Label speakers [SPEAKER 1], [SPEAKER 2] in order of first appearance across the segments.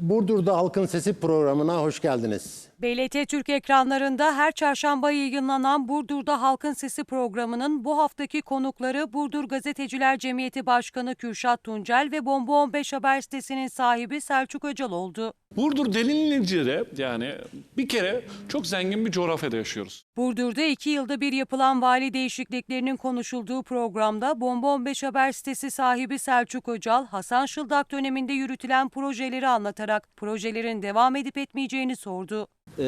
[SPEAKER 1] Burdur'da Halkın Sesi programına hoş geldiniz.
[SPEAKER 2] BLT Türk ekranlarında her çarşamba yayınlanan Burdur'da Halkın Sesi programının bu haftaki konukları Burdur Gazeteciler Cemiyeti Başkanı Kürşat Tuncel ve Bomba 15 Haber sitesinin sahibi Selçuk Öcal oldu.
[SPEAKER 3] Burdur denilince yani bir kere çok zengin bir coğrafyada yaşıyoruz.
[SPEAKER 2] Burdur'da 2 yılda bir yapılan vali değişikliklerinin konuşulduğu programda Bomba 15 Haber sitesi sahibi Selçuk Öcal, Hasan Şıldak döneminde yürütülen projeleri anlatarak projelerin devam edip etmeyeceğini sordu.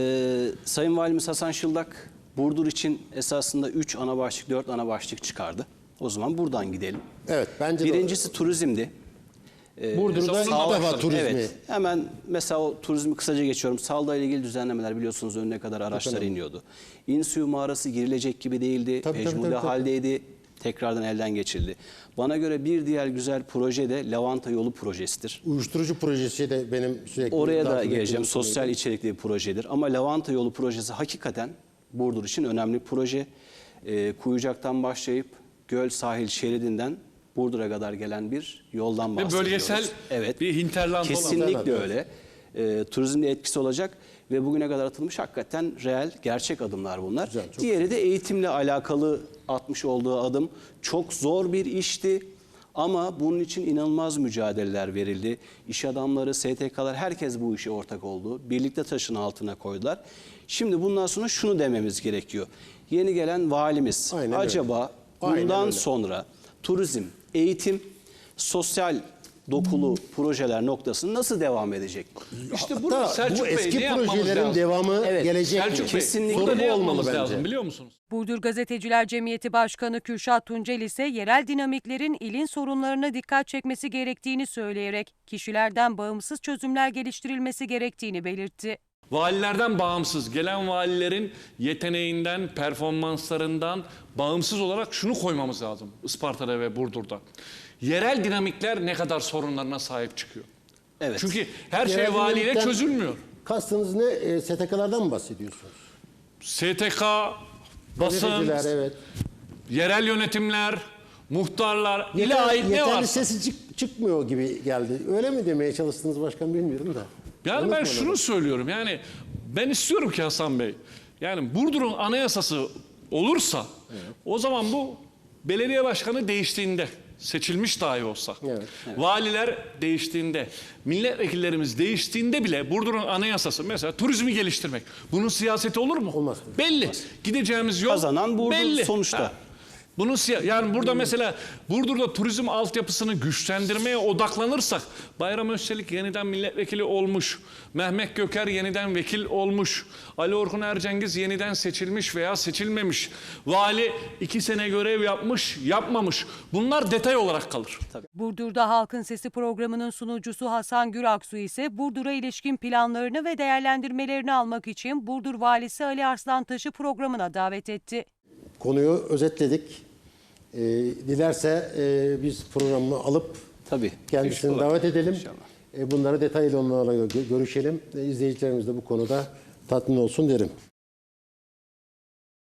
[SPEAKER 4] Sayın Valimiz Hasan Şıldak Burdur için esasında 3 ana başlık, 4 ana başlık çıkardı. O zaman buradan gidelim.
[SPEAKER 1] Evet, bence de
[SPEAKER 4] birincisi turizmdi.
[SPEAKER 1] Burdur'da ilk defa turizmi.
[SPEAKER 4] Evet, hemen mesela o turizmi kısaca geçiyorum. Sağlıkla ilgili düzenlemeler biliyorsunuz önüne kadar araçlar iniyordu. İnsuyu mağarası girilecek gibi değildi. Mecburi haldeydi. Tekrardan elden geçirildi. Bana göre bir diğer güzel proje de Lavanta Yolu projesidir.
[SPEAKER 1] Uyuşturucu projesi de benim sürekli...
[SPEAKER 4] Oraya da geleceğim. Sosyal içerikli bir projedir. Ama Lavanta Yolu projesi hakikaten Burdur için önemli bir proje. Kuyucak'tan başlayıp Göl sahil şeridinden Burdur'a kadar gelen bir yoldan bahsediyoruz.
[SPEAKER 3] Ve bölgesel bir hinterland
[SPEAKER 4] kesinlikle öyle. Turizmde etkisi olacak ve bugüne kadar atılmış hakikaten reel, gerçek adımlar bunlar.
[SPEAKER 1] Güzel,
[SPEAKER 4] diğeri de eğitimle alakalı atmış olduğu adım. Çok zor bir işti ama bunun için inanılmaz mücadeleler verildi. İş adamları, STK'lar herkes bu işe ortak oldu. Birlikte taşın altına koydular. Şimdi bundan sonra şunu dememiz gerekiyor. Yeni gelen valimiz acaba bundan sonra turizm, eğitim, sosyal dokulu projeler noktasını nasıl devam edecek?
[SPEAKER 3] İşte burada Selçuk
[SPEAKER 1] bu
[SPEAKER 3] Bey
[SPEAKER 1] eski
[SPEAKER 3] ne yapmamız
[SPEAKER 1] projelerin
[SPEAKER 3] lazım?
[SPEAKER 1] devamı gelecek.
[SPEAKER 3] Selçuk Bey,
[SPEAKER 4] kesinlikle
[SPEAKER 3] burada ne
[SPEAKER 1] olmalı
[SPEAKER 3] yapmamız
[SPEAKER 1] bence.
[SPEAKER 3] lazım biliyor musunuz?
[SPEAKER 2] Burdur Gazeteciler Cemiyeti Başkanı Kürşat Tuncel ise yerel dinamiklerin ilin sorunlarına dikkat çekmesi gerektiğini söyleyerek kişilerden bağımsız çözümler geliştirilmesi gerektiğini belirtti.
[SPEAKER 3] Valilerden bağımsız, gelen valilerin yeteneğinden, performanslarından bağımsız olarak şunu koymamız lazım Isparta'da ve Burdur'da. Yerel dinamikler ne kadar sorunlarına sahip çıkıyor.
[SPEAKER 4] Evet.
[SPEAKER 3] Çünkü her şey
[SPEAKER 1] Yerel
[SPEAKER 3] valiyle
[SPEAKER 1] dinamikten
[SPEAKER 3] çözülmüyor.
[SPEAKER 1] Kastınız ne? STK'lardan mı bahsediyorsunuz?
[SPEAKER 3] STK, basın,
[SPEAKER 1] Gazeteciler, evet.
[SPEAKER 3] yerel yönetimler, muhtarlar, ile ait ne
[SPEAKER 1] yeterli
[SPEAKER 3] varsa.
[SPEAKER 1] sesi çıkmıyor gibi geldi. Öyle mi demeye çalıştınız başkan bilmiyorum da.
[SPEAKER 3] Yani ben şunu söylüyorum, yani ben istiyorum ki Hasan Bey, yani Burdur'un anayasası olursa o zaman bu belediye başkanı değiştiğinde, seçilmiş dahi olsa, valiler değiştiğinde, milletvekillerimiz değiştiğinde bile Burdur'un anayasası mesela turizmi geliştirmek. Bunun siyaseti olur mu?
[SPEAKER 1] Olmaz.
[SPEAKER 3] Belli. Gideceğimiz yol
[SPEAKER 4] Kazanan Burdur
[SPEAKER 3] belli.
[SPEAKER 4] sonuçta.
[SPEAKER 3] Bunun yani burada mesela Burdur'da turizm altyapısını güçlendirmeye odaklanırsak Bayram Özçelik yeniden milletvekili olmuş, Mehmet Göker yeniden vekil olmuş, Ali Orhun Ercengiz yeniden seçilmiş veya seçilmemiş, vali 2 sene görev yapmış, yapmamış. Bunlar detay olarak kalır.
[SPEAKER 2] Burdur'da Halkın Sesi programının sunucusu Hasan Güraksu ise Burdur'a ilişkin planlarını ve değerlendirmelerini almak için Burdur Valisi Ali Arslantaş'ı programına davet etti.
[SPEAKER 1] Konuyu özetledik. Dilerse biz programı alıp kendisini davet edelim. Bunları detaylı onlarla görüşelim. İzleyicilerimiz de bu konuda tatmin olsun derim.